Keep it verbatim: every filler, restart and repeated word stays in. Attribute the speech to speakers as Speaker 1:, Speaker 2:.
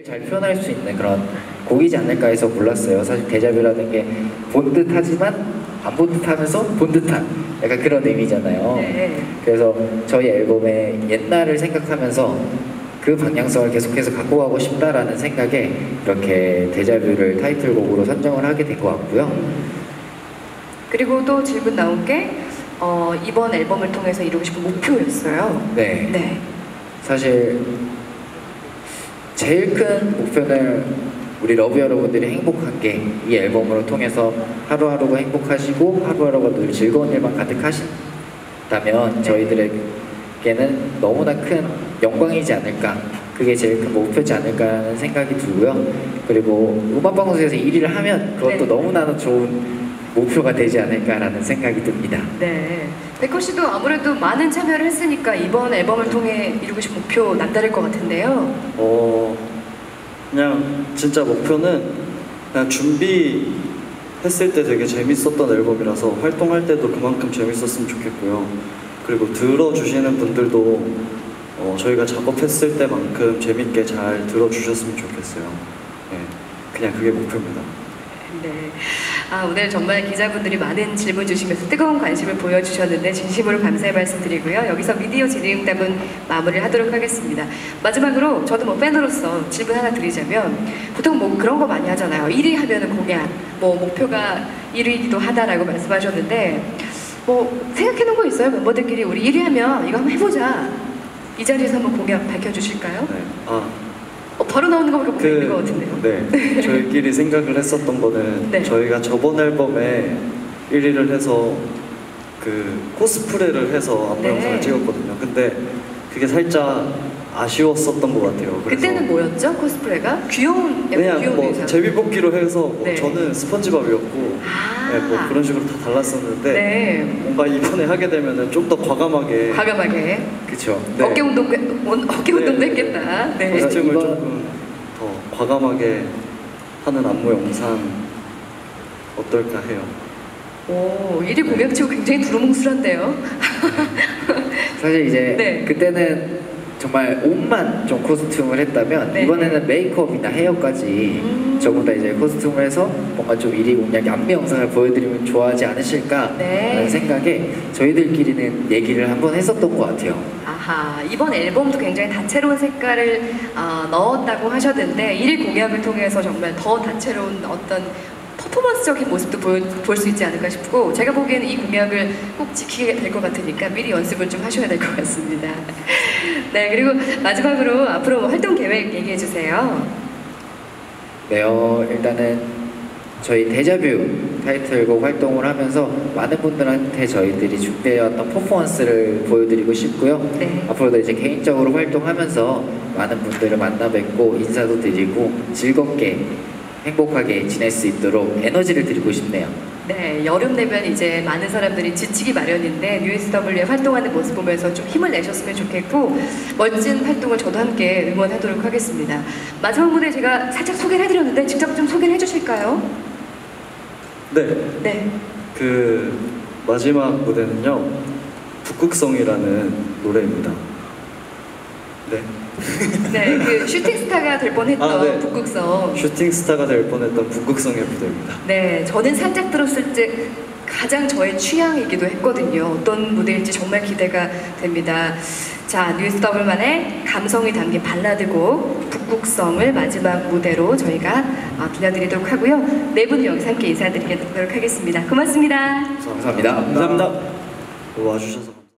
Speaker 1: 잘 표현할 수 있는 그런 곡이지 않을까 해서 골랐어요. 사실 데자뷰라는 게 본 듯하지만 안 본 듯하면서 본 듯한 약간 그런 의미잖아요.
Speaker 2: 네.
Speaker 1: 그래서 저희 앨범의 옛날을 생각하면서 그 방향성을 계속해서 갖고 가고 싶다라는 생각에 이렇게 데자뷰를 타이틀곡으로 선정을 하게 된 것 같고요.
Speaker 2: 그리고 또 질문 나온 게 어, 이번 앨범을 통해서 이루고 싶은 목표였어요.
Speaker 1: 네.
Speaker 2: 네.
Speaker 1: 사실 제일 큰 목표는 우리 러브 여러분들이 행복한 게 이 앨범으로 통해서 하루하루가 행복하시고 하루하루가 늘 즐거운 일만 가득하신다면 저희들에게는 너무나 큰 영광이지 않을까, 그게 제일 큰 목표지 않을까라는 생각이 들고요. 그리고 음악방송에서 일 위를 하면 그것도
Speaker 2: 네.
Speaker 1: 너무나도 좋은 목표가 되지 않을까라는 생각이 듭니다.
Speaker 2: 네. 백호 씨도 아무래도 많은 참여를 했으니까 이번 앨범을 통해 이루고 싶은 목표 남다를 것 같은데요.
Speaker 3: 어 그냥 진짜 목표는 그냥 준비했을 때 되게 재밌었던 앨범이라서 활동할 때도 그만큼 재밌었으면 좋겠고요. 그리고 들어주시는 분들도 어, 저희가 작업했을 때만큼 재밌게 잘 들어주셨으면 좋겠어요. 네, 그냥 그게 목표입니다.
Speaker 2: 네. 아, 오늘 정말 기자분들이 많은 질문 주시면서 뜨거운 관심을 보여주셨는데 진심으로 감사의 말씀 드리고요. 여기서 미디어 진행답은 마무리를 하도록 하겠습니다. 마지막으로 저도 뭐 팬으로서 질문 하나 드리자면, 보통 뭐 그런 거 많이 하잖아요. 일 위 하면은 공약, 뭐 목표가 일 위이기도 하다라고 말씀하셨는데, 뭐 생각해 놓은 거 있어요? 멤버들끼리 우리 일 위 하면 이거 한번 해보자. 이 자리에서 한번 공약 밝혀주실까요?
Speaker 3: 네. 아
Speaker 2: 어, 바로 나오는 거밖에 못 있는 것 같은데요.
Speaker 3: 네, 저희끼리 생각을 했었던 거는
Speaker 2: 네.
Speaker 3: 저희가 저번 앨범에 일 위를 해서 그 코스프레를 해서 안무
Speaker 2: 네.
Speaker 3: 영상을 찍었거든요. 근데 그게 살짝 아쉬웠었던 것 같아요. 그래서
Speaker 2: 그때는 뭐였죠? 코스프레가? 귀여운, 약간
Speaker 3: 그냥
Speaker 2: 귀여운
Speaker 3: 뭐
Speaker 2: 의상.
Speaker 3: 제비뽑기로 해서 뭐
Speaker 2: 네.
Speaker 3: 저는 스펀지밥이었고
Speaker 2: 아.
Speaker 3: 네, 뭐 그런 식으로 다 달랐었는데
Speaker 2: 네.
Speaker 3: 뭔가 이번에 하게 되면은 좀 더 과감하게
Speaker 2: 과감하게.
Speaker 1: 그쵸?
Speaker 3: 네.
Speaker 2: 어깨 운동, 어깨 운동도
Speaker 3: 네.
Speaker 2: 했겠다. 네.
Speaker 1: 그래서
Speaker 3: 코스튬을
Speaker 1: 이번-
Speaker 3: 조금 더 과감하게 하는 안무 영상 어떨까 해요.
Speaker 2: 오, 일 위 공약치고 굉장히 두루뭉술한데요.
Speaker 1: 사실 이제
Speaker 2: 네.
Speaker 1: 그때는 정말 옷만 좀 코스튬을 했다면
Speaker 2: 네.
Speaker 1: 이번에는 메이크업이나 헤어까지
Speaker 2: 음.
Speaker 1: 전부 다 이제 코스튬을 해서 뭔가 좀 일 위 공약 안무 영상을 보여드리면 좋아하지 않으실까
Speaker 2: 네.
Speaker 1: 하는 생각에 저희들끼리는 얘기를 한번 했었던 것 같아요.
Speaker 2: 아하, 이번 앨범도 굉장히 다채로운 색깔을 어, 넣었다고 하셨는데 일 위 공약을 통해서 정말 더 다채로운 어떤 퍼포먼스적인 모습도 볼 수 있지 않을까 싶고, 제가 보기에는 이 공약을 꼭 지키게 될 것 같으니까 미리 연습을 좀 하셔야 될 것 같습니다. 네, 그리고 마지막으로 앞으로 뭐 활동 계획 얘기해 주세요.
Speaker 1: 네, 어, 일단은 저희 데자뷰 타이틀곡 활동을 하면서 많은 분들한테 저희들이 준비해왔던 퍼포먼스를 보여드리고 싶고요.
Speaker 2: 네.
Speaker 1: 앞으로도 이제 개인적으로 활동하면서 많은 분들을 만나 뵙고 인사도 드리고 즐겁게 행복하게 지낼 수 있도록 에너지를 드리고 싶네요.
Speaker 2: 네, 여름 되면 이제 많은 사람들이 지치기 마련인데 뉴에스더블유에 활동하는 모습 보면서 좀 힘을 내셨으면 좋겠고, 멋진 활동을 저도 함께 응원하도록 하겠습니다. 마지막 무대 제가 살짝 소개를 해드렸는데 직접 좀 소개를 해주실까요?
Speaker 3: 네,
Speaker 2: 네.
Speaker 3: 그 마지막 무대는요 북극성이라는 노래입니다. 네.
Speaker 2: 네, 그 슈팅스타가 될 뻔했던
Speaker 3: 아, 네.
Speaker 2: 북극성.
Speaker 3: 슈팅 스타가 될 뻔했던 북극성의 무대입니다.
Speaker 2: 네, 저는 살짝 들었을 때 가장 저의 취향이기도 했거든요. 어떤 무대일지 정말 기대가 됩니다. 자, 뉴에스더블유만의 감성이 담긴 발라드곡 북극성을 마지막 무대로 저희가 어, 들려드리도록 하고요. 네 분을 여기서 함께 인사드리도록 하겠습니다. 고맙습니다.
Speaker 1: 감사합니다.
Speaker 3: 감사합니다. 와주셔서.